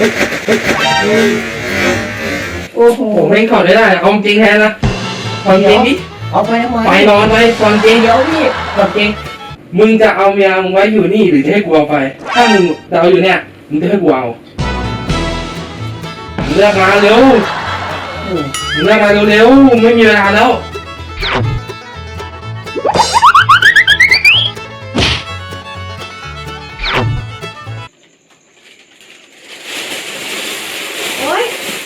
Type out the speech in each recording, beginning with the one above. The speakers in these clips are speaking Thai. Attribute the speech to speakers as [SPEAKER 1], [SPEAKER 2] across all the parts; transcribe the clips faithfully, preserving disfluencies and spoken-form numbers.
[SPEAKER 1] โอ้โห
[SPEAKER 2] ผมไม่ขอได้ได้เอาจริงแทนนะความจริงดิ
[SPEAKER 1] เอาไปทำไม
[SPEAKER 2] ไปนอนไปความจริง
[SPEAKER 1] เดี๋ยวพี่ความจริง
[SPEAKER 2] มึงจะเอาเมียมึงไว้อยู่นี่หรือจะให้กูเอาไปถ้ามึงจะเอาอยู่เนี่ยมึงจะให้กูเอาเลือกมาเร็วมึงเลือกมาเร็วๆไม่มีเวลาแล้ว
[SPEAKER 3] โอ๊ย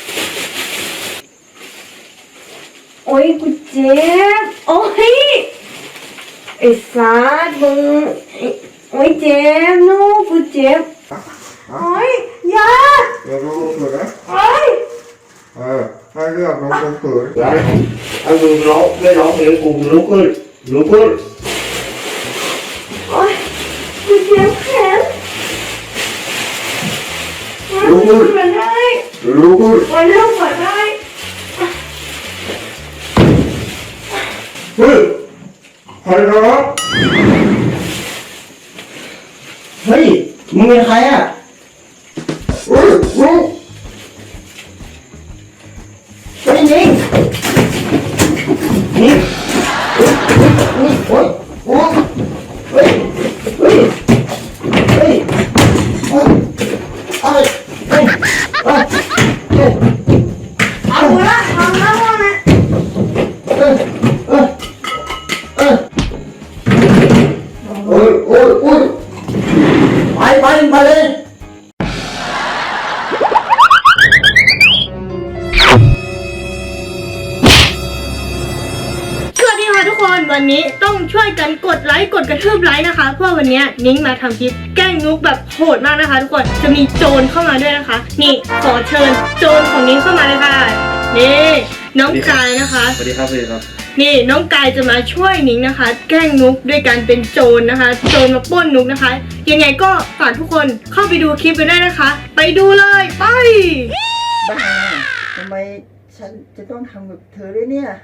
[SPEAKER 3] โอ๊ยกูเจ็บโอ๊ยไอ้สัสมึงโอ๊ยเจ็บนูกูเจ็บโอ๊ยยา
[SPEAKER 4] เดี๋ยวรู้ๆนะ
[SPEAKER 3] โอ๊ย
[SPEAKER 4] เออให้เลือกน้องคนเกิด
[SPEAKER 2] เอามึงร้องไม่ร้องเพลงกูลุกขึ้นลุกขึ้น
[SPEAKER 3] โอ๊ยกูเจ็บแขน
[SPEAKER 4] รู้ขึ้น
[SPEAKER 3] มาได้
[SPEAKER 4] รู้ขึ้น
[SPEAKER 3] มาเริ่มมาได้
[SPEAKER 4] เฮ้ยใครนะเฮ้ยมึงเป็นใครอ่ะเฮ้ยมึงเฮ้ยยิงยิงนี่โอ้ยโอ้ยเฮ้ยเฮ้ยเฮ้ยเฮ้ยเฮ้ยเฮ้ยเฮ้ยเฮ้ย
[SPEAKER 3] เอาละทำแล้วนะ
[SPEAKER 4] เฮ้ยเฮ้ยเฮ้ยโอ้ยโอ้ยโอ้ยไปไปไปเลย
[SPEAKER 5] สวัสดีค่ะทุกคนวันนี้ต้องช่วยกันกดไลค์กดกระทืบไลค์นะคะเพราะวันนี้นิ้งมาทำคลิปแกล้งนุกแบบโหดมากนะคะ ทุกคนจะมีโจรเข้ามาด้วยนะคะ นี่ขอเชิญโจรของนิ้งเข้ามาเลยค่ะนี่น้องกายนะคะ
[SPEAKER 2] สวัสดีครับสวัสดีครับ
[SPEAKER 5] นี่น้องกายจะมาช่วยนิ้งนะคะ แกล้งนุกด้วยการเป็นโจรนะคะ โจรมาปล้นนุกนะคะ ยังไงก็ฝากทุกคนเข้าไปดูคลิปกันได้นะคะ ไปดูเลยไป
[SPEAKER 1] บ้าทำไมฉันจะต้องทำกับเธอด้วยเนี่ย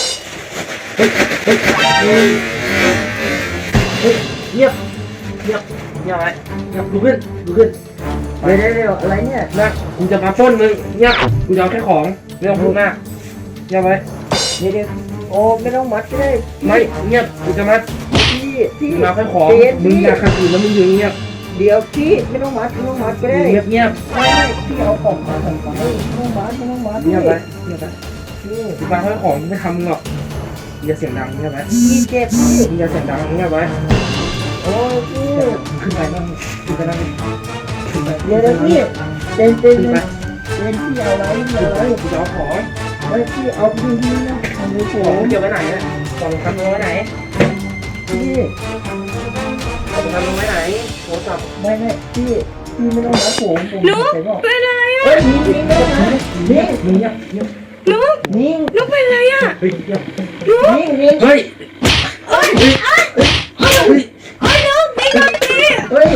[SPEAKER 1] เงียบเงียบ
[SPEAKER 2] เงียบไว้เงียบลุกขึ้นลุกขึ้น
[SPEAKER 1] เดี๋ยวเดี๋ยวอะไรเนี่ย
[SPEAKER 2] นะกูจะมาปล้นมึงเงียบกูจะเอาแค่ของไม่ต้องพูดมากเงียบไว้
[SPEAKER 1] เดี๋ยวเดี๋ยวโอ้ไม่ต้องมัดก็ได้
[SPEAKER 2] ไม่เงียบกูจะมา
[SPEAKER 1] พี่พี่
[SPEAKER 2] มึงมาแค่ของ
[SPEAKER 1] เดี๋ยว
[SPEAKER 2] มึง
[SPEAKER 1] พี่
[SPEAKER 2] อยากขัดขืนแล้วมึงอยู่เงียบ
[SPEAKER 1] เดี๋ยวพี่ไม่ต้องมัดไม่ต้องมัดก็ได้
[SPEAKER 2] เงียบเงียบ
[SPEAKER 1] ไม่ไม่พี่เอาของมาใส่ไปไม่ต้องมัดไม่ต้องมัด
[SPEAKER 2] เงียบไว้เงียบไว้
[SPEAKER 1] พี่
[SPEAKER 2] กูมาแค่ของไม่ทำมึงหรอกอย่าเสียงดังเงียบไว้
[SPEAKER 1] พี่เจ็บพี่
[SPEAKER 2] มึงอย่าเสียงดังเงียบไว้
[SPEAKER 1] โอ้ยพี่
[SPEAKER 2] ขึ้นไปนั่งขึ้นไปนั่งขึ้นไป
[SPEAKER 1] เดี๋ยวเดี๋ยวพี่เต้นเต้น
[SPEAKER 2] ขึ้นไป
[SPEAKER 1] เต้นพี่เอาอะไรพี่
[SPEAKER 2] ขึ้
[SPEAKER 1] เอา
[SPEAKER 2] น
[SPEAKER 1] อะ
[SPEAKER 2] ไป
[SPEAKER 1] ไร
[SPEAKER 2] กูจะเอาของ
[SPEAKER 1] เฮ้ยพี่เอาพี่พี่นะทำมือผ
[SPEAKER 2] ของ
[SPEAKER 1] ม
[SPEAKER 2] เกี่ยวไว้ไหนเนี่ยของทำลงไว้ไหน
[SPEAKER 1] พี่
[SPEAKER 2] ของทำลงไว้ไหนโทรศัพท์
[SPEAKER 1] ไม่ไม่พี่พี่ไม่ต้องมัดผมผม
[SPEAKER 5] นุก
[SPEAKER 1] ใส่บอก
[SPEAKER 5] เป็นอะไรอะ
[SPEAKER 1] เฮ้ยนิ่งนิ่งไม่ต้องมัดนิ่ง
[SPEAKER 2] มึงเงียบเงียบ
[SPEAKER 5] นุก
[SPEAKER 1] นิ่ง
[SPEAKER 5] นุกเป็นอะไรอะ
[SPEAKER 2] เฮ้ยเงียบ
[SPEAKER 1] นิ่งนิ่ง
[SPEAKER 2] เฮ้ย
[SPEAKER 5] เอ้ยเอ้ยเอ้ยเอ้ยเอ้ยนุกนี่ก่อนสิ
[SPEAKER 1] เฮ้ย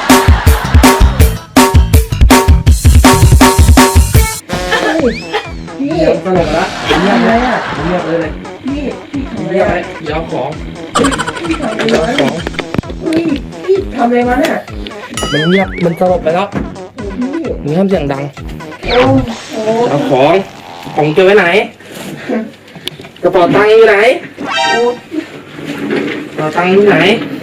[SPEAKER 1] พี่
[SPEAKER 2] เงียบตลกละเงียบ
[SPEAKER 1] ทำ
[SPEAKER 2] เล
[SPEAKER 1] ไร
[SPEAKER 2] ย
[SPEAKER 1] อ่ะ
[SPEAKER 2] เงียบเลยเลย
[SPEAKER 1] พี่พี่ทำอะไร
[SPEAKER 2] เงียบ
[SPEAKER 1] อ่ะ
[SPEAKER 2] ไว้เดี๋ยวเอาของ
[SPEAKER 1] พี่ทำอะไร
[SPEAKER 2] เดี๋ยวเอา
[SPEAKER 1] วะ
[SPEAKER 2] ของ
[SPEAKER 1] เฮ้ยพี่ทำอะไรมาเนี่ย
[SPEAKER 2] มันเงียบมันสลบไปแล้ว
[SPEAKER 1] พี่
[SPEAKER 2] มึงห้ามเสียงดัง
[SPEAKER 1] โอ้โห
[SPEAKER 2] เอาของของเก็บไว้ไหนกระเป๋าตังค์อยู่ไหนกระเป๋าตังค์อยู่ไหน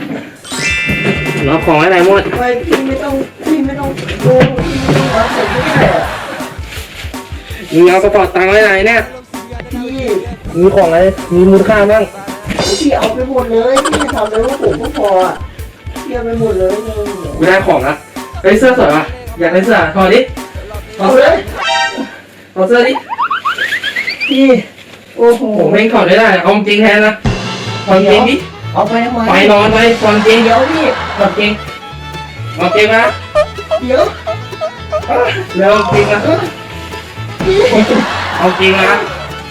[SPEAKER 2] เอาของไว้ไหนหมด
[SPEAKER 1] ไม่พี่ไม่ต้องพี่ไม่ต้องโกงพี่ไม่ต้องมัดผมไม่ได้อ่ะ
[SPEAKER 2] มึงเอากระเป๋าตังค์ไว้ไหนเนี่ย
[SPEAKER 1] พี่
[SPEAKER 2] มีของอะไรมีมูลค่าบ้าง
[SPEAKER 1] พี่เอาไปหมดเลยพี่ทำเลยว่าผมก็พออ่ะพี่เอาไปหมดเลยเลย
[SPEAKER 2] กูได้ของละไอ้เสื้อสวยป่ะอยากได้เสื้อถอดดิถ
[SPEAKER 1] เอา
[SPEAKER 2] อด
[SPEAKER 1] เล
[SPEAKER 2] เสื้อย ถอดเสื้อดิ
[SPEAKER 1] พี่โอ้โห
[SPEAKER 2] ผมไม่ขอได้ได้เอาจริงแทนนะความจริงดิ
[SPEAKER 1] เอาไปทำไม
[SPEAKER 2] ไปนอนไปความจริง
[SPEAKER 1] เดี๋ยวพี่
[SPEAKER 2] ความจริงความจริงนะ
[SPEAKER 1] เดี๋ยว
[SPEAKER 2] เร็วจริงนะ
[SPEAKER 1] พี่
[SPEAKER 2] เอาจริงนะ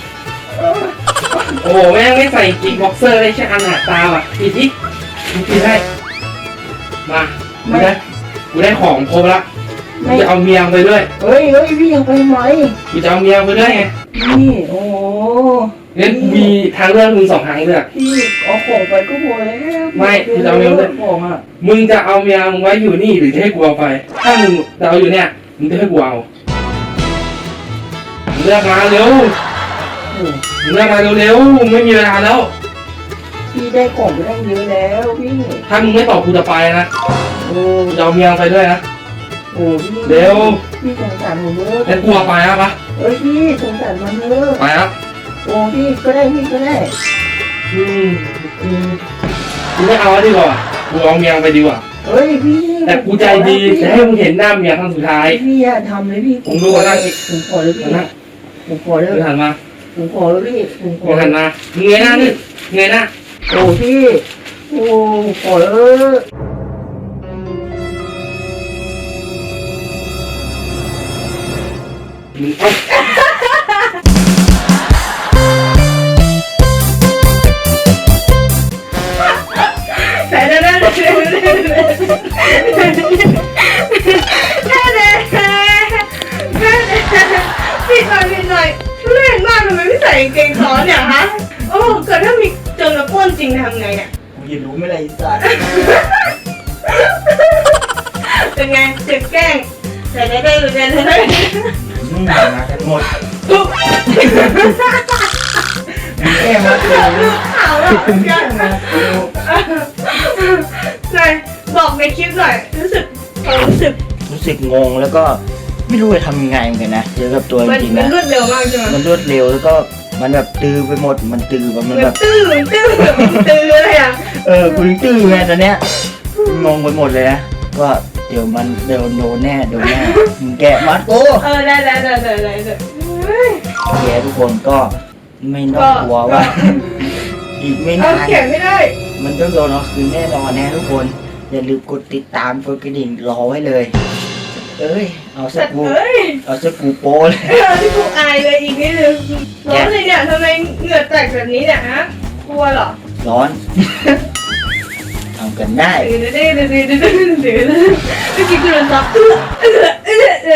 [SPEAKER 2] โอ้โหแม่งไม่ใส่กิ๊กบ็อกเซอร์เลยใช่อันหนาตาอ่ะปิดดิกูปิดให้มากูได้กูได้ของครบละกูจะเอาเมียไปด้วย
[SPEAKER 1] เฮ้ยเฮ้ยพี่ยังไปไหม
[SPEAKER 2] กูจะเอาเมียไปด้วยไง
[SPEAKER 1] พี่โอ้โห
[SPEAKER 2] งั้นมีทางเลือกมึงสองทางเลือก
[SPEAKER 1] พี่เอาของไปก็พอแล้ว
[SPEAKER 2] ไม่พี่จะเอาเมียด้วย
[SPEAKER 1] ของอ่ะ
[SPEAKER 2] มึงจะเอาเมียมึงไว้อยู่นี่หรือจะให้กูเอาไป ถ้ามึงจะเอาอยู่เนี่ยมึงจะให้กูเอามึงเลือกมาเร็วมึงเลือกมาเร็วๆมึงไม่มีเวลาแล้ว
[SPEAKER 1] พี่ได้ของไปได้เยอะแล้วพี่
[SPEAKER 2] ถ้ามึงไม่ตอบกูจะไปนะ
[SPEAKER 1] โอ้
[SPEAKER 2] กูจะเอาเมียไปด้วยนะ
[SPEAKER 1] โอ้พี่
[SPEAKER 2] เร็ว
[SPEAKER 1] พี่สงสารผมเยอะ
[SPEAKER 2] งั้นกูเอาไปนะปะ
[SPEAKER 1] เอ้ยพี่สงสารมันเยอะ
[SPEAKER 2] ไปนะ
[SPEAKER 1] โอ้พี่ก็ได้พี่ก็ได้
[SPEAKER 2] อืมอืมกูไม่เอาแล้วดีกว่ากูเอาเมียไปดีกว่า
[SPEAKER 1] เฮ้ยพี่
[SPEAKER 2] แต่กูใจดีจะให้มึงเห็นหน้าเมียครั้งสุดท้าย
[SPEAKER 1] พี่อย่าทำเลยพี่
[SPEAKER 2] ผมดูก่อนนะ
[SPEAKER 1] ผมขอเลยพี่
[SPEAKER 2] นะ
[SPEAKER 1] ผมขอเลย
[SPEAKER 2] มึงหันมา
[SPEAKER 1] ผมขอเลยพี่ผมข
[SPEAKER 2] มึ
[SPEAKER 1] อง
[SPEAKER 2] หันมามึงเงยหน้านี่เงยหน้า
[SPEAKER 1] โอ้พี่โอ้ขอเลย
[SPEAKER 2] มึงเอา
[SPEAKER 5] แต่เด้อเด้อเด้อเด้อเด้อเด้อเด้อพี่หน่อยพี่หน่อยทุเรศมากทำไมไม่ใส่กางเกงซ้อนเนี่ยฮะโอ้เกิดถ้ามีเจอแล้วป้วนจริงทำไงเนี่ย
[SPEAKER 1] กูจะรู้ไหมล่ะไอ้สัตว์
[SPEAKER 5] เป็นไงเจ็บแกล้งแต่เด้อเด้อเด้อเด้อเด้อ
[SPEAKER 1] มึงมากันหมดมึงแค่มาเลย
[SPEAKER 5] ลูกขาวแล้ว
[SPEAKER 1] มึง
[SPEAKER 5] กั
[SPEAKER 1] แค่
[SPEAKER 5] น
[SPEAKER 1] มากู
[SPEAKER 5] ไหนบอกในคลิปหน่อยรู้สึกความรู้สึก
[SPEAKER 4] รู้สึกงงแล้วก็ไม่รู้จะทำยังไงเหมือนกันนะเจอกับตัวจ
[SPEAKER 5] มัน
[SPEAKER 4] ริงๆ
[SPEAKER 5] มัน
[SPEAKER 4] นะ
[SPEAKER 5] รวดเร็วมากใช่ไหม
[SPEAKER 4] มันรวดเร็วแล้วก็มันแบบตื้อไปหมดมันตื้อแบบมัน
[SPEAKER 5] เหมื
[SPEAKER 4] แบ
[SPEAKER 5] อน
[SPEAKER 4] บ
[SPEAKER 5] ตื้อเหมือนตื้อเหมือนตื้ออะไรอ่ะ
[SPEAKER 4] เออกูยังตื้อไงตอนเนี้ยงงไปหมดเลยนะว่าเดี๋ยวมันเดี๋ยวโดนแน่โดนแน่มึงแกะมัดกู
[SPEAKER 5] เออได้ได้ได้ได้ได้ได้
[SPEAKER 4] โอเคทุกคนก็ไม่ต้องกลัวว่า อีกไม่
[SPEAKER 5] เอา
[SPEAKER 4] นาน
[SPEAKER 5] เขียนไม่ได้
[SPEAKER 4] มันต้องโดนเอาคืนแน่นอนนะทุกคนอย่าลืมกดติดตามกดกระดิ่งรอไว้เลย เอ้ยเอาสั
[SPEAKER 5] แต่
[SPEAKER 4] กกู
[SPEAKER 5] เฮ้ย
[SPEAKER 4] เอาสักกูโป้เลย
[SPEAKER 5] เออที่กูอายเลยอีกนิดนึงร้อนเลยเนี่ยทำไมเหงื่อแตกแบบนี้เนี่ยฮะกลัวเหรอ
[SPEAKER 4] ร้อนทำกันได้
[SPEAKER 5] เดี๋ยวเดี๋ยวเดี๋ยวเดี๋ยวเดี๋ยวเดี๋ยวเมื่อกี้กูโดนซับเออเออเออเอ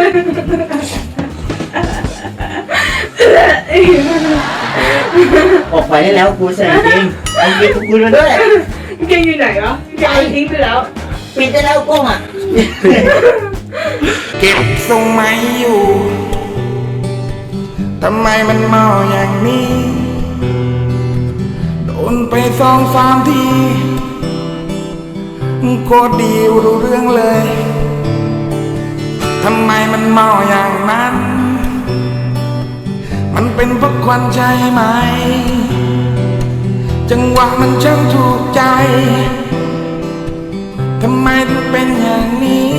[SPEAKER 5] อ
[SPEAKER 4] ออกไปได้แล้วกูใส่จริงเอาเกียร์กูมาด้วย
[SPEAKER 5] เกงอยู่ไหนวะเกงทิ้งไปแล้ว
[SPEAKER 4] ปิดได้แล้วกล้องอ่ะ
[SPEAKER 6] เก็บทรงไม่อยู่ ทำไมมันเมาอย่างนี้ โดนไปสองสามทีก็ดีรู้เรื่องเลย ทำไมมันเมาอย่างนั้น มันเป็นเพราะควันใจไหม จังหวะมันช่างถูกใจ ทำไมถึงเป็นอย่างนี้